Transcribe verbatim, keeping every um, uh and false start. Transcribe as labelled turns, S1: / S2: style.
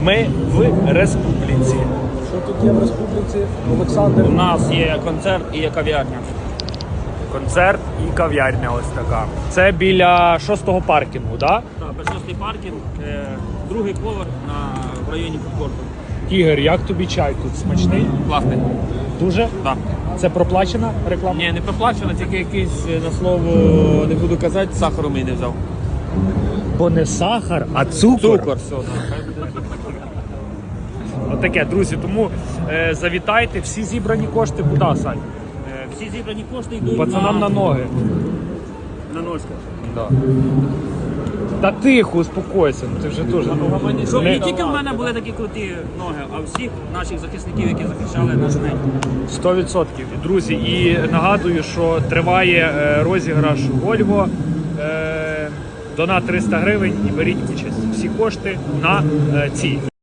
S1: Ми в республіці.
S2: Що тут є в республіці? Олександр.
S3: У нас є концерт і є кав'ярня.
S1: Концерт і кав'ярня ось така. Це біля шостого паркінгу, так?
S3: Так, першостий паркінг, е, другий поверх на в районі фудкорту.
S1: Ігор, як тобі чай тут? Смачний?
S3: Класний.
S1: Дуже?
S3: Так.
S1: Це проплачена реклама?
S3: Ні, не проплачено, тільки якийсь, е, на слово, не буду казати, сахару мені не взяв.
S1: Бо не сахар, а цукор.
S3: Цукор, все, так. Хай буде цукор.
S1: Отаке, друзі, тому е, завітайте, всі зібрані кошти куди, Сань?
S3: Е, Всі зібрані кошти йдуть
S1: Пацанам на ноги.
S3: на ножки.
S1: Да. Та тихо, успокойся, ну ти вже теж.
S3: Щоб
S1: Не-
S3: не тільки в мене були такі круті ноги, а всіх наших захисників, які захищали наш небо.
S1: сто відсотків. Друзі, і нагадую, що триває е, розіграш Volvo. Е, донат триста гривень і беріть участь. Всі кошти на е, ці.